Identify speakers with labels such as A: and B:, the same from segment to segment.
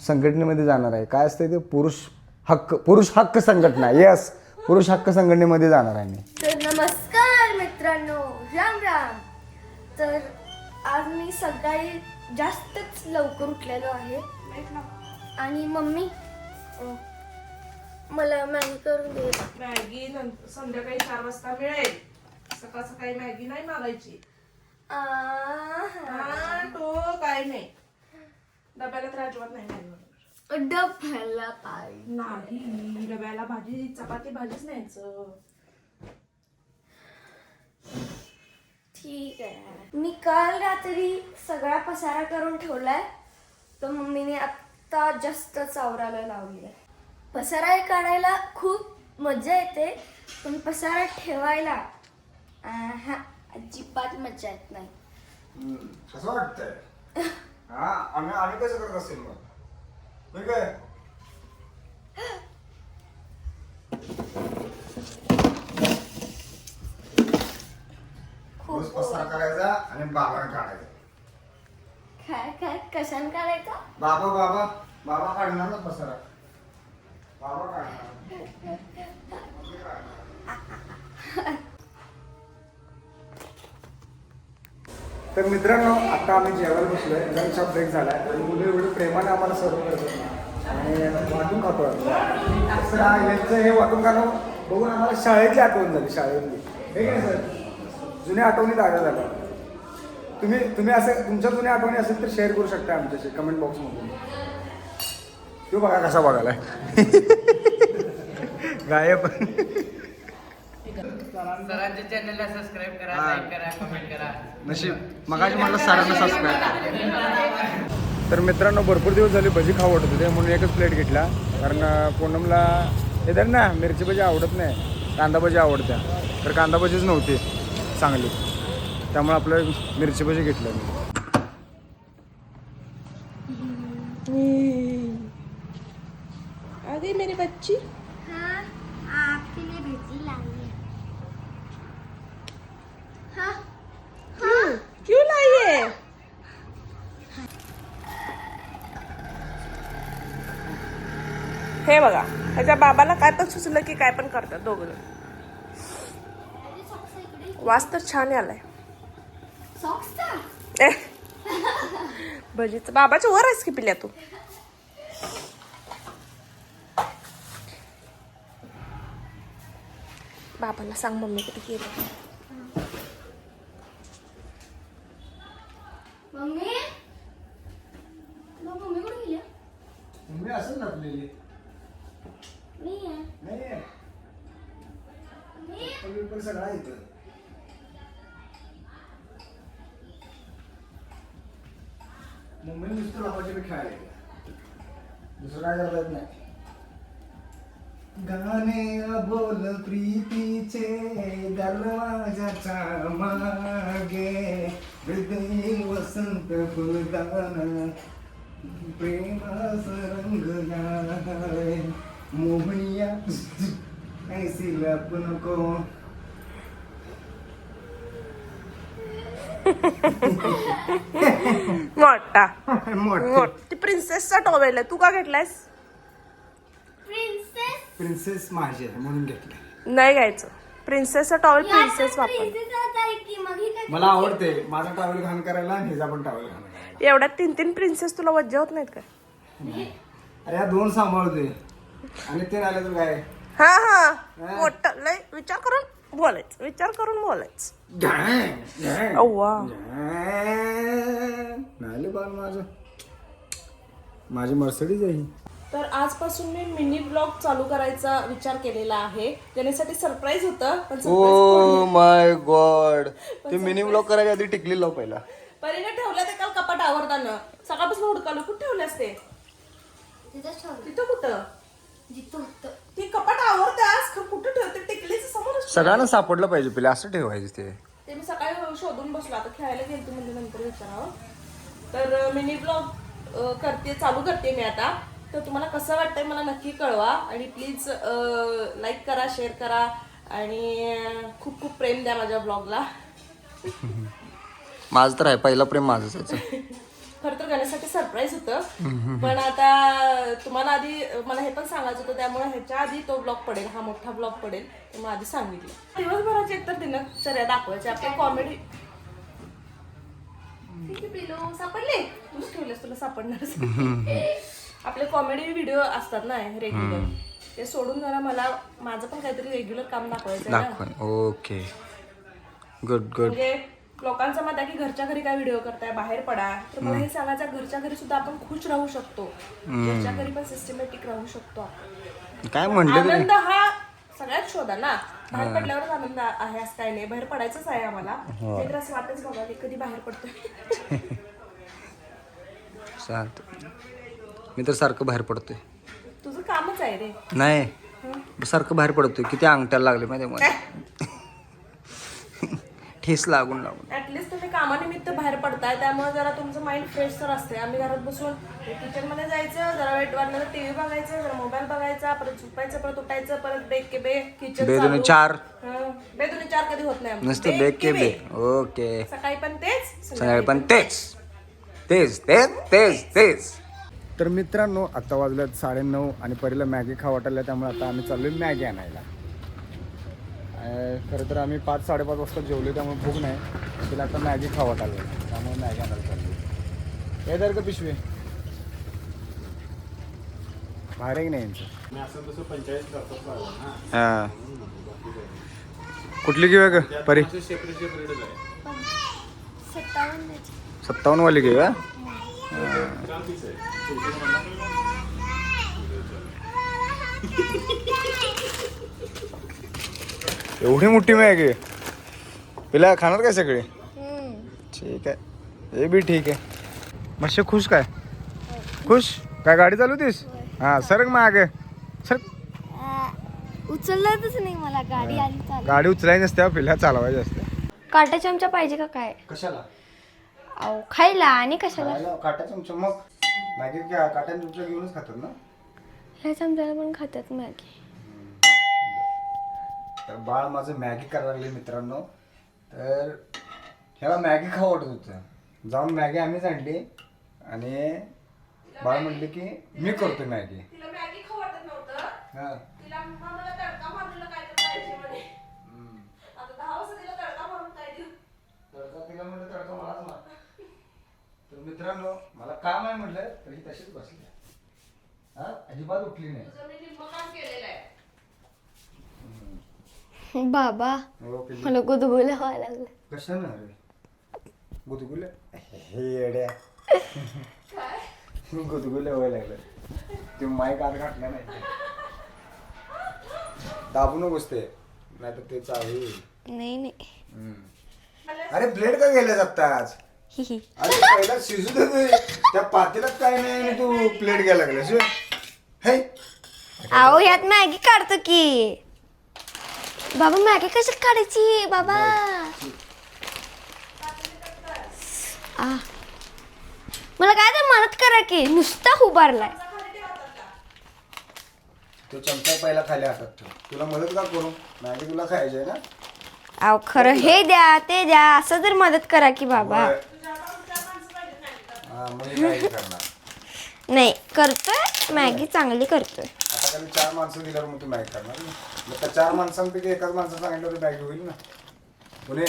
A: संघटनेमध्ये जाणार आहे. काय असते ते पुरुष हक्क संघटना. येस, पुरुष हक्क संघटनेमध्ये जाणार आहे मी.
B: तर नमस्कार मित्रांनो, राम राम. तर आज मी सकाळी जास्तच लवकर उठलेलो आहे आणि मम्मी मला मॅगी करून दे.
C: मॅगी संध्याकाळी 4 वाजता मिळेल. सकाळ सकाळी मॅगी नाही मागायची. तो काय नाही, डब्याला तर अजिबात नाही मॅगी बनवणार.
B: डब्याला पाहिजे
C: नाही, डब्याला भाजी चपाती भाजीच न्यायचं.
B: ठीक आहे. मी काल रात्री सगळा पसारा करून ठेवलाय, तर मम्मीने आत्ता जास्त चावरायला लावली आहे. पसारा काढायला खूप मजा येते, पण पसारा ठेवायला अजिबात मजा येत नाही.
A: कसं वाटतंय? आम्ही कसं करत असेल मग? ठीक आहे.
B: खूप
A: पसारा करायचा आणि बाबा काढायचा.
B: काय काय कशाने काढायचा?
A: बाबा काढणार ना पसारा. बाबा काढणार. तर मित्रांनो, आता आम्ही जेवायला बसलोय. लंचचा ब्रेक झाला आहे आणि मुलं एवढं प्रेमाने आम्हाला सर्व करतात आणि वाटून खातो. यांचं हे वाटून खाणं बघून आम्हाला शाळेची आठवण झाली. शाळेतली हे काय सर, जुन्या आठवणी ताज्या झाल्या. तुम्ही असं तुमच्या जुन्या आठवणी असेल तर शेअर करू शकता आमच्याशी कमेंट बॉक्समधून. तो बघा कसा बघायला गायब.
D: सरांच्या चॅनलला सबस्क्राईब करा, लाईक करा, कमेंट करा.
A: नशीब मगाशी मला सरांना सबस्क्राईब. तर मित्रांनो, भरपूर दिवस झाले भजी खाऊ वाटत होते म्हणून एकच प्लेट घेतला. कारण पूनमला हे तर ना मिरची भजी आवडत नाही, कांदा भजी आवडत्या. तर कांदा भजीच नव्हती चांगली, त्यामुळे आपलं मिरची भजी घेतलं मी.
C: अरे मेरी बच्ची,
B: हाँ, आपके लिए भेजी लाई है. हाँ,
C: क्यों लाई है? हे बघा, त्याच्या बाबाला काय पण सुचलं की काय पण करतात दोघं. वास तर छान आलाय.
B: सॉक्सचा
C: भजीचं बाबाच्या वर आहेस की पिल्या तू. बाबाला सांग मम्मी किती केलं.
B: मम्मी, मम्मी कुठे गेली?
A: मम्मी असं नसलेली
B: नाही आहे.
A: नाही
B: मम्मी,
A: पण सगळा येतं. मम्मी नुसतं लावायचे मी खेळायला दुसरं काय करता येत नाही. गाणे बोल प्रीतीचे दरवाजाच्या मागे, हृदय वसंत फुलदान प्रेमास रंगलाय, मोहनिया ऐसी लप नको.
C: मोठा
A: मोठी
C: ती प्रिन्सेसचा टॉवेल आहे, तू का घेतलायस?
B: प्रिन्सेस.
A: प्रिन्सेस माझी आहे म्हणून घेतलं.
C: नाही घ्यायचं. प्रिन्सेसचा टॉवेल प्रिन्सेस वापर.
B: प्रिन्सेसच आहे की मग ही काय?
A: मला आवडते माझा टावेल घाण करायला आणि हिचा पण टावेल घाण करायला.
C: एवढ्या 3 प्रिन्सेस तुला वज्जा होत नाहीत का?
A: अरे या 2 सांभाळते आणि ते राहिलं तर काय.
C: हा मोठं लय विचार करून बोलायचं, विचार करून बोलायचं. अव्वा,
A: नाही बाल माझी मर्सिडीज आहे.
C: तर आजपासून मी मिनी ब्लॉग चालू करायचा विचार केलेला आहे. त्यासाठी सरप्राईज होतं, पण
A: ओ माय गॉड, ते मिनी ब्लॉग करायच्या आधी टिकली लाव पहिला.
C: परीने ठेवलं ते काल कपाट आवरताना. सकाळपासून हुडकालो, कुठे ठेवले असते?
B: तिथंच ठेवलं.
C: तिथं कुठं?
B: जिथं होतं.
C: ती कपाट आवरत्यास कुठं ठेवते? टिकलीच समोर.
A: सगळ्यांना सापडलं पाहिजे पहिले असं ठेवायचं
C: ते मी सकाळी शोधून बसलो. आता खेळायला गेलतो म्हणजे नंतर विचारावं. तर मिनी ब्लॉग चालू करते मी आता. तर तुम्हाला कसं वाटतंय मला नक्की कळवा आणि प्लीज लाईक करा, शेअर करा आणि खूप खूप प्रेम द्या माझ्या ब्लॉगला.
A: माझं तर आहे पहिला प्रेम माझंच आहे.
C: खरं तर गणेशसाठी सरप्राईज होतं, पण आता तुम्हाला आधी मला हे पण सांगायचं होतं, त्यामुळे ह्याच्या आधी तो ब्लॉग पडेल, हा मोठा ब्लॉग पडेल, ते मग आधी सांगितलं. दिवसभराची एकतर दिनचर्या दाखवायची आपली कॉमेडी. पिलो सापडले, तूच ठेवलेस, तुला सापडणार. आपले कॉमेडी व्हिडिओ असतात ना रेग्युलर, ते सोडून जरा मला माझं पण काहीतरी रेग्युलर काम दाखवायचं आहे ना.
A: Okay, good good.
C: म्हणजे लोकांचं मत आहे की घरच्या घरी काय व्हिडिओ करताय, बाहेर पडा. तर मला हे सांगायचं, घरच्या घरी सुद्धा आपण खुश राहू शकतो, घरच्या घरी पण सिस्टमॅटिक राहू शकतो.
A: काय म्हणलं तरी
C: आनंद हा सगळ्यात शोधा ना, बाहेर पडल्यावरच आनंद आहे असं काही नाही. बाहेर पडायचंच आहे आम्हाला, ते तर असं वाटच बघा की कधी बाहेर पडतोय.
A: चालतं. मी तर सारखं बाहेर पडतोय.
C: तुझं कामच आहे रे.
A: नाही, सारखं बाहेर पडतोय. किती अंगठ्याला लागले माहिती मला, ठेस लागून लागून.
C: ऍटलिस्ट तुम्ही कामानिमित्त बाहेर पडताय, त्यामुळे जरा तुमचं माइंड फ्रेश तर असते. आम्ही घरात बसून किचन मध्ये जायचं, जरा वेट वाटलं तर टीव्ही बघायचं, जरा मोबाईल बघायचा, परत झोपायचं, परत उठायचं, परत बेक के बे किचन
A: बेदुने 4
C: बेदुने 4 कधी होत नाही आमचं.
A: नुसतं बेक के बे. ओके,
C: सकाळी पण तेच,
A: संध्याकाळी पण तेच तेच तेच तेच तेच. तर मित्रांनो, आता वाजल्यात 9:30 आणि परीला मॅगी खाऊ वाटायला, त्यामुळे आता आम्ही चाललोय मॅगी आणायला. खरं तर आम्ही 5-5:30 वाजता जेवलो, त्यामुळे भूक नाही. तिला आता मॅगी खाऊ वाटायला, त्यामुळे मॅगी आणायला चाललो. काय तर का पिशवी बाहेर आहे की नाही यांचं? हां, कुठली घेऊया का परी? 57 वाली घेऊया. एवढी मोठी मॅगी पिला खाणार काय सगळे? ठीक आहे, हे बी ठीक आहे. मस्त खुश काय? खुश काय? गाडी चालवतीस? हा, सरक माग सर.
B: उचललाच नाही मला, गाडी आली चालू.
A: गाडी उचलायची नसते, पिला चालवायची असते.
B: काटा चमचा पाहिजे का काय?
A: कशाला?
B: अहो खायला आणि कशाला?
A: काटा चमचा मग मॅगी काटा चमचा घेऊनच खातात ना.
B: ह्या चमच्याला पण खातात मॅगी.
A: तर बाळ माझं मॅगी करायला लागले मित्रांनो. तर ह्याला मॅगी खाऊ वाटत होतं, जाऊन मॅगी आम्हीच आणली आणि बाळ म्हणले की मी करतो मॅगी.
C: तिला मॅगी खाऊ वाटत नव्हतं,
A: हा,
C: तिला मला तडका मारलेला काय तर पाहिजे म्हणे. आता 10 वाजता तिला तडका मारून काय देऊ?
A: तडका तिला म्हणलं, तडका मलाच मार. तर मित्रांनो, मला काम आहे म्हटलं तर ही तशीच बसली, हा, अजिबात उठली नाही.
C: तुझं मी निम्मं काम केलेलं आहे.
B: बाबा
A: ओके.
B: मला गुदगुल्या व्हायला लागलं.
A: कशानं रे गुदगुले? हे येड्या, गुदगुले व्हायला लागलं. ते माईक आत घातला नाही, दाबू नकोस ते, नाही तर ते चावी.
B: नाही नाही.
A: अरे ब्लेड का गेले जातात?
B: हिही.
A: अरे पहिला शिजू दे ते. त्या पातेल्यात काय नाही आणि तू प्लेट घ्यायला लागलास व्हय? हे
B: अहो ह्यात मॅगी काढतो की. बाबा मॅगी कशी काढायची बाबा? मला काय तर मदत करा की, नुसता उभारलाय.
A: तो चमचा पहिला खाली हातात ठेव. तुला मदत का करू? मॅगी तुला खायची आहे ना.
B: अहो खरं हे द्या ते द्या असं तर मदत करा की बाबा.
A: हा, मग हे काय करणार?
B: नाही करतोय मॅगी, चांगली करतोय.
A: आता खाली 4 माणसं दिल्यावर मग तू मॅगी करणार ना. मग त्या 4 माणसांपैकी एकाच माणसं सांगितलं तर मॅगी होईल ना. पुणे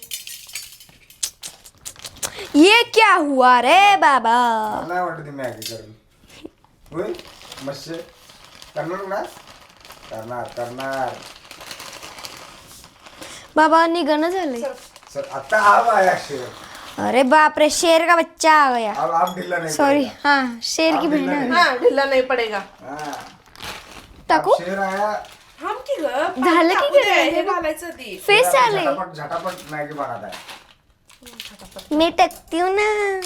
B: ये क्या हुआ रे बाबा?
A: मला नाही वाटत ती मॅगी करेल. होईल मस्त करणार ना. करणार करणार.
B: बाबा निघणं झालंय.
A: सर आता आप आया शेर.
B: अरे बाप रे, शेर का बच्चा आ गया.
A: अब आप ढिल्ला नहीं
B: सॉरी.
A: पड़ेगा.
B: हाँ शेर की
A: आप
B: बहन
A: ढिल्ला
B: है.
A: नहीं.
C: हा, ढिल्ला नाही पडेगा.
A: हाँ.
B: टाकू?
A: अब शेर आया.
C: थांब की ग,
B: झालं की
C: टाकू दे,
B: काय?
C: हे घालायचं ती.
B: फेस
A: शेर
B: आले.
A: झटापट झटापट मॅगी बनत आहे.
B: मी टाकते ना.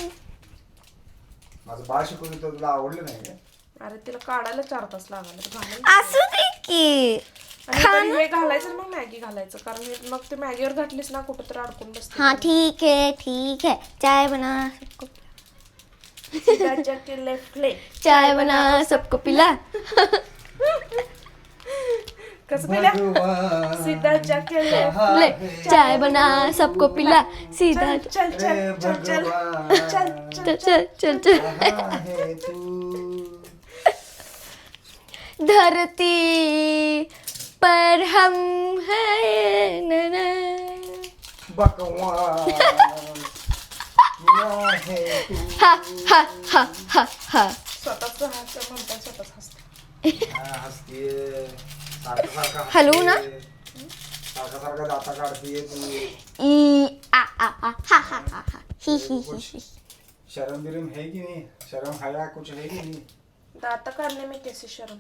A: माझं बाळ शिकून तर तुला आवडलं नाही का?
C: अरे तिला काढायला 4 तास लागला.
B: असू दे की.
C: आणि हे घालायचं मग मॅगी घालायचं, कारण हे मग ते मॅगीवर घातलीस ना कुठं तर अडकून बसते.
B: हाँ ठीक है ठीक है. चाय बना सबको,
C: लेफ्ट ले.
B: चाय बना सबको पिला.
C: कसं पिल्या सीधा जाके
B: ले चाय बना सबको पिला सीधा
C: चल चल चल चल चल
B: चल चल चल चल धरती पर हम हैं ना ना।
A: बकवास
B: हा हा हा हा हा
C: स्वतःच हसतं म्हणतात स्वतःच हसतं.
A: हसतीये सारखं सारखं
B: हलवू ना?
A: सारखं सारखं दाता काढतीये तू
B: ई आ आ आ हा हा हा हा ही ही ही ही
A: शर्म बिरम है कि नहीं शर्म हया कुछ है कि नहीं
C: दात काढणे में कैसे शर्म.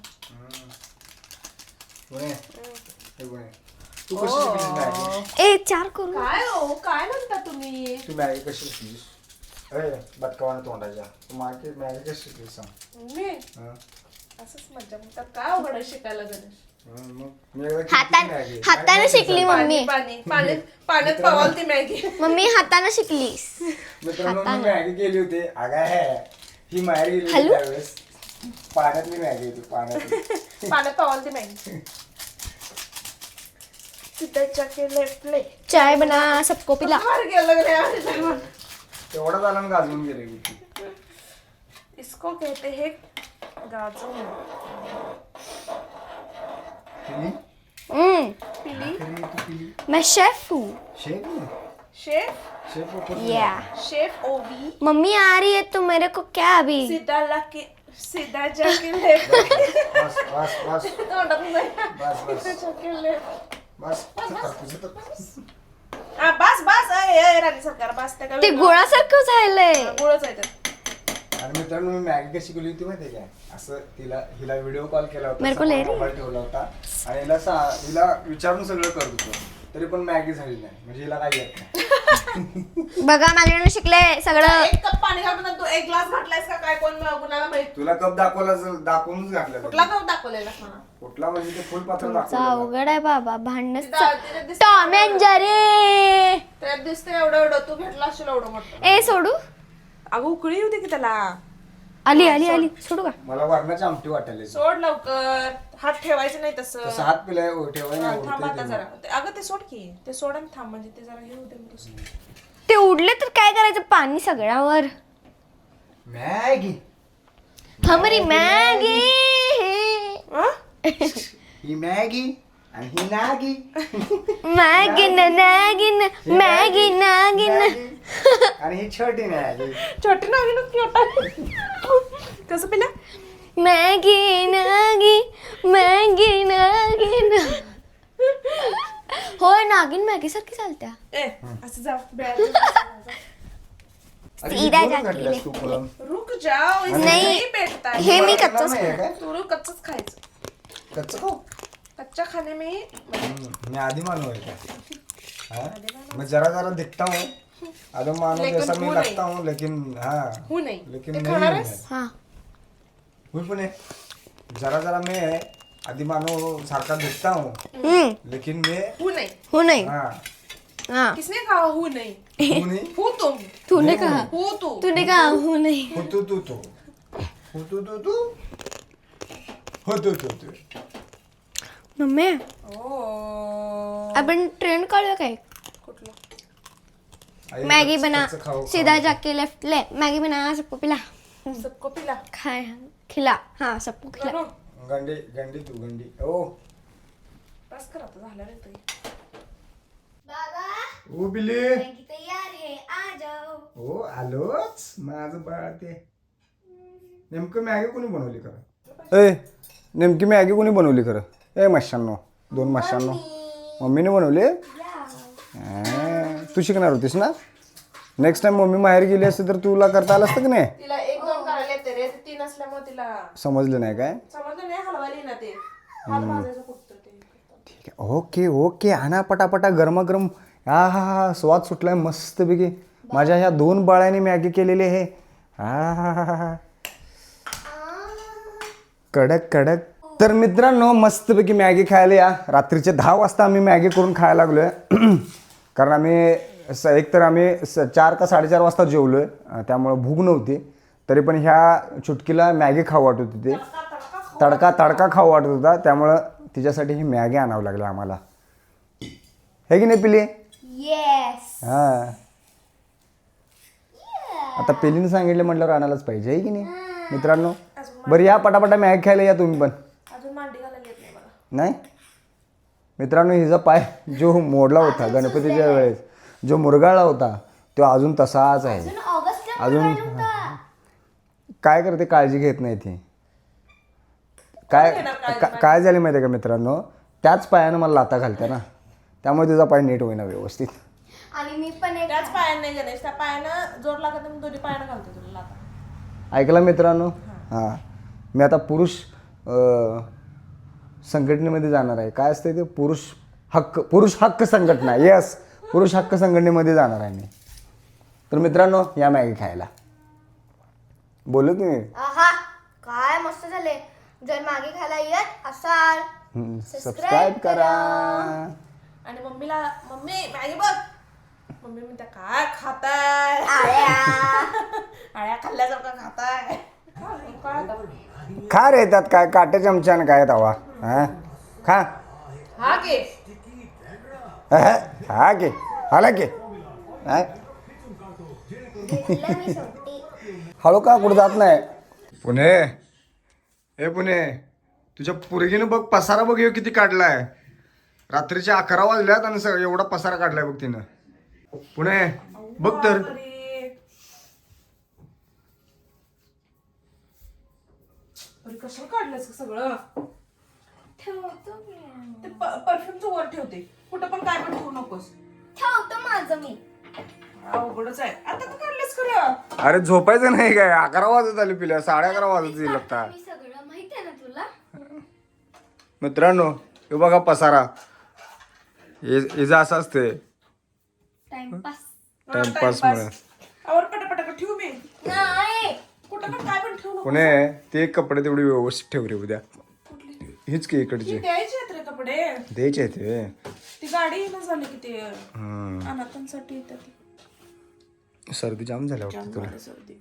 A: गुणे हे गुणे तू कशी शिकलीस मॅगी
B: ए चार करू
C: काय हो काय म्हणता तुम्ही.
A: तू मॅगी कशी शिकलीस अरे बदकावाने तोंडाच्या तू मागे मॅगी कशी शिकलीस सांग
C: मी
A: हं?
C: असंच मज्जा म्हणतात काय अवघड आहे शिकायला गणेश.
A: मग मी एकदा केली मॅगी.
B: हाताने शिकली मम्मी
C: पाणी पाणी पाण्यात पवाल ती मॅगी.
B: मम्मी हाताने शिकलीस
A: मित्रांनो मी मॅगी केली होती अगं है ही बाहेर गेली होती
B: हॅलो?
A: त्यावेळेस पाण्यातली मॅगी होती पाण्यातली
C: पाण्यात पवाल ती मॅगी. सीधा जाके लेफ्ट ले
B: चाय बना सबको पिला
C: बाहेर गेलं गड्या.
A: तेवढा झाला ना गाजवून गेले की
C: इसको कहते हैं गाजर.
A: पिली
C: पिली
A: तू पिली
B: मैं शेफ हूँ
A: शेफ
C: शेफ
A: शेफ ऊपर
B: या
C: शेफ ओवी
B: मम्मी आ रही है तो मेरे को क्या अभी
C: सीधा लाके सीधा जाके लेफ्ट.
A: बस बस बस
C: तोंडात नाही.
A: बस बस
C: सीधा जाके लेफ्ट.
A: बस तुझं तर
C: हा बस बस अय राणी सरकार बस त्या
B: ते गोळासारखं झालंय
C: गोळच आहे ते.
A: आणि मित्रांनो मी मॅगी कशी केली होती माहिती काय असं हिला व्हिडिओ कॉल केला
B: मेरे को ले
A: होता
B: रही?
A: मोबाईल ठेवला होता आणि हिला विचारून सगळं करत होतो तरी पण मॅगी झाली नाही म्हणजे हिला काही येत नाही
B: बघा माझ्याकडे शिकले सगळं
C: एक कप पाणी घालून तू एक ग्लास घातलायस का काय कोण कुणाला माहित.
A: तुला कप दाखवूनच घातलं
C: कुठला कप दाखवलेला मला.
A: कुठला म्हणजे ते फुलपात्र
B: तुमचा
A: दाखवलं
B: अवघड आहे बाबा भांडणच
C: तिथं दिसतं
B: टॉम अँड जेरी
C: त्यात दिसतंय एवढं एवढं तू घेतला असेल एवढं मोठं.
B: ए सोडू
C: अगं उकळी होती की त्याला.
B: आली आली आली सोडू का
A: मला वरणाची आमटी वाटायला
C: सोड लवकर हात ठेवायचं नाही तसं.
A: तसं हात पिलाय ठेवायला
C: हा,
A: नाही
C: थांब आता
A: उडतंय
C: जरा
A: ते.
C: अगं ते सोड की ते सोड आणि थांब म्हणजे ते जरा हे होते मग दुसरं.
B: ते उडले तर काय करायचं पाणी सगळ्यावर
A: मॅगी
B: हमारी मॅगी
C: अं?
A: ही मॅगी आणि ही नागी
B: मॅगिन नागिन मॅगी नागिन
A: आणि ही छोटी मॅगी
C: छोटी नागिन कसं पिला.
B: मॅगी नागी मॅगी नागिन होय नागिन मॅगी सारखी चालत्या
C: ए असं जा
A: अरे,
B: सीधा
A: ही दोन
B: जाके
A: घातल्यास
B: ले.
A: तू पुरण.
C: रुक जाओ इसे
B: नाही.
C: नहीं बैठता है.
B: हे मी
A: तुला
B: कच्चच
A: नाही आहे काय?
C: तू कच्चच खायचं.
A: कच्चं खाऊ
C: कच्चा खाने में
A: मैं आदि मानव है क्या हाँ? मैं जरा जरा दिखता हूँ आदि मानव
C: लेकिन
A: जैसा मैं
C: हूँ
A: लगता हूँ लेकिन हाँ
C: हूँ नहीं.
A: लेकिन
C: ते
A: नहीं
C: खाणार
A: हूँ
C: आहेस?
A: मैं.
B: हा
A: हूँ पण है. जरा जरा मैं आदि मानव सारखा दिखता हूँ लेकिन मैं
C: हूँ नहीं.
B: हो नाही
A: हाँ
B: हा
C: किसने कहा हूँ नहीं.
A: हूँ नहीं
C: हूँ तुम.
B: तूने कहा
C: हूँ तू.
B: तूने कहा हो नाही
A: हूँ तू हूँ तू हो तू
B: मम्मी
C: ओ
B: आपण ट्रेंड काढूया काय
C: कुठला.
A: आई,
B: मैगी बना
A: कच्चं खाऊ,
B: सीधा
A: खाऊ.
B: जाके लेफ्ट ले मैगी बना सबको पिला
C: सबको पिला.
B: खाए खिला हाँ सबको खिला
C: करो.
A: गंडी गंडी तू गंडी ओ
C: बस कर आता झालं रे तुझी.
B: बाबा
A: ओ बिल्ली
B: मैगी तैयार है आ जाओ
A: हो आलोच माझं बाळ ते नेमकं मॅगी कोणी बनवली खरं ए नेमकी मॅगी कोणी बनवली खरं ए मशांनो 2 मशांनो मम्मीने बनवली तू शिकणार होतीस ना नेक्स्ट टाइम मम्मी माहेर गेली असते तर तुला करता आलं असतं की नाही
C: तिला 1-2 करायला येते रे. 3 असल्यामुळे तिला
A: समजलं नाही काय
C: समजलं नाही हलवाली ना ते. हात भाजायचं फक्त ते.
A: ठीक आहे ओके ओके आणा पटापटा गरमागरम हा हा हा स्वाद सुटलाय मस्तपैकी माझ्या ह्या 2 बाळांनी मॅगी केलेली आहे हा हा हा हा कडक कडक तर मित्रांनो मस्तपैकी मॅगी खायला या रात्रीचे 10 वाजता आम्ही मॅगी करून खायला लागलोय कारण आम्ही एक तर आम्ही 4 का 4:30 वाजता जेवलोय त्यामुळे भूक नव्हती तरी पण ह्या चुटकीला मॅगी खाऊ वाटत होती ते तडका खाऊ वाटत होता त्यामुळं तिच्यासाठी ही मॅगी आणावं लागलं आम्हाला, हे की नाही पिली?
B: येस.
A: हां, आता पिलीने सांगितलं म्हटल्यावर आणायलाच पाहिजे, आहे की नाही मित्रांनो? बरं या पटापटा मॅगी खायला या तुम्ही पण.
C: अजून मांडी घालायला येत नाही मला.
A: नाही मित्रांनो, हिचा पाय जो मोडला होता गणपतीच्या वेळेस, जो मुरगाळला होता तो अजून तसाच आहे.
B: अजून ऑगस्टला
A: अजून
B: मुरगाळला होता.
A: काय करते, काळजी घेत नाही ती. काय झाले माहिती आहे का मित्रांनो, त्याच पायानं मला लाता घालते ना, त्यामुळे तिचा पाय नीट होईना व्यवस्थित.
B: आणि मी पण एक
C: त्याच पायानं नाही गणेश, त्या पायानं जोर लागत नाही, दोन्ही पायानं घालतो तुला लाथा.
A: ऐकलं मित्रांनो? हां, मी आता पुरुष संघटनेमध्ये जाणार आहे. काय असते ते? पुरुष हक्क संघटना. येस, पुरुष हक्क संघटनेमध्ये जाणार आहे मी. तर मित्रांनो या मॅगी खायला. बोलू तुम्ही?
B: आहा, काय मस्त झाले. जर मागे खायला येत असाल
A: सबस्क्राईब करा.
C: आणि मम्मीला, मम्मी मॅगी बघ. मम्मी म्हणते काय खाताय? आळ्या खाल्ल्यासारखं खाताय. काय आता?
A: खा रे, त्यात काय काटे चमच्यानं काय तवा. हां खा.
C: हा घे.
A: हा की आला की
B: घेतलं मी शेवटी.
A: हळू का कुठं जात नाही. पुणे, हे पुणे, तुझ्या पोरगीनं बघ पसारा बघ ह्यो किती काढलाय. रात्रीचे 11 वाजल्यात आणि एवढा पसारा काढलाय बघ तिनं. पुणे बघ तर.
C: अरे कसं काढलंस सगळं?
B: ठेवतो मी.
C: ते परफ्यूमचं वर ठेवते, कुठं पण काय पण ठेवू नकोस.
B: ठेवतो माझं मी.
C: अवघडच आहे. आता का काढलंस खरं?
A: अरे झोपायचं नाही काय? 11 वाजत आली पिल्या, 11:30 वाजत येईल आता.
B: मी सगळं माहित आहे ना तुला.
A: मित्रांनो हे बघा पसारा, हिचं असं असते
B: टाइमपास.
A: टाइमपास मुळे.
C: आवर पटापटा ठेवू मी.
B: नाही.
C: कुठं पण काय पण ठेवू नको.
A: पुणे ते कपडे तेवढे व्यवस्थित ठेव रे उद्या. हीच की इकडचे
C: द्यायचे आहेत रे कपडे.
A: द्यायचे आहेत ते.
C: ती गाडी येणं झाली की ते अनाथांसाठी येतात ती.
A: सर्दी जाम झाल्या वाटतं तुला.
C: सर्दी.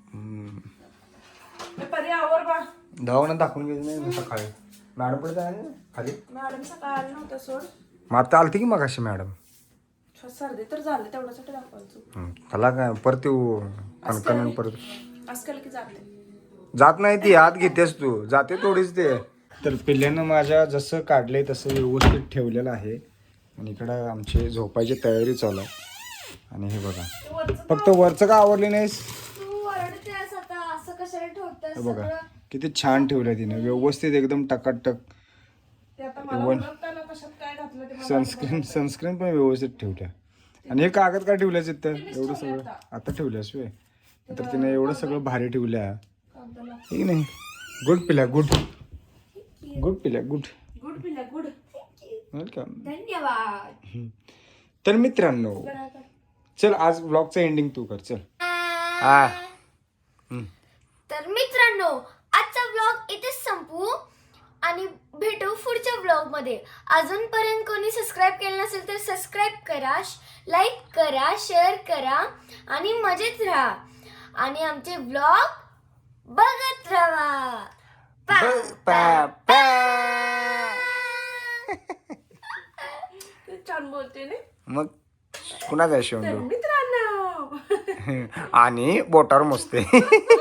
C: परी आवर बा.
A: दवाखान्यात दाखवून घ्यायचं नाही सकाळी. मॅडम पडत आहे ना खाली.
C: मॅडम सकाळ आली नव्हत्या सोड.
A: मग आता आलती की मग अशी मॅडम.
C: सर्दी तर झाली तेवढ्यासाठी दाखवायचो.
A: त्याला काय परत येऊ कणकण परत
C: असं केलं की जाते.
A: जात नाही ती, आत घेतेस तू, जाते थोडीच ते. तर पिल्ल्यानं माझ्या जसं काढलंय तसं व्यवस्थित ठेवलेलं आहे. आणि इकडं आमची झोपायची तयारी चालू आहे. आणि हे बघा फक्त वरचं का आवरली नाहीस?
B: तू ओरडतेस आता, असं कशाला ठेवतेस
A: हे बघा
B: सगळं?
A: किती छान ठेवलंय तिने व्यवस्थित एकदम टकाटक.
C: ते आता मला ओळखताना कशात काय घातलं ते मला
A: सनस्क्रीन पण व्यवस्थित ठेवल्या. आणि हे कागद का ठेवल्यास इथं एवढं सगळं? आता ठेवल्यास वे तर तिने एवढं सगळं भारी ठेवल्या. ठीक नाही. गुड पिल्या, गुड पिल्या, गुड
C: गुड पिल्या गुड.
A: वेलकम.
B: धन्यवाद.
A: तर मित्रांनो चल आज ब्लॉगचं एंडिंग तू कर चल. हा
B: तर मित्रांनो आजचा व्लॉग इथेच संपवू आणि भेटू पुढच्या व्लॉग मध्ये. अजूनपर्यंत कोणी सबस्क्राईब केलं नसेल तर सबस्क्राईब करा, लाईक करा, शेअर करा आणि मजेत राहा. आणि आमचे व्लॉग बघत राहा.
C: छान बोलते ना
A: मग कुणाचा शेवंडू
C: मित्रांनो.
A: आणि बोटावर मोजते.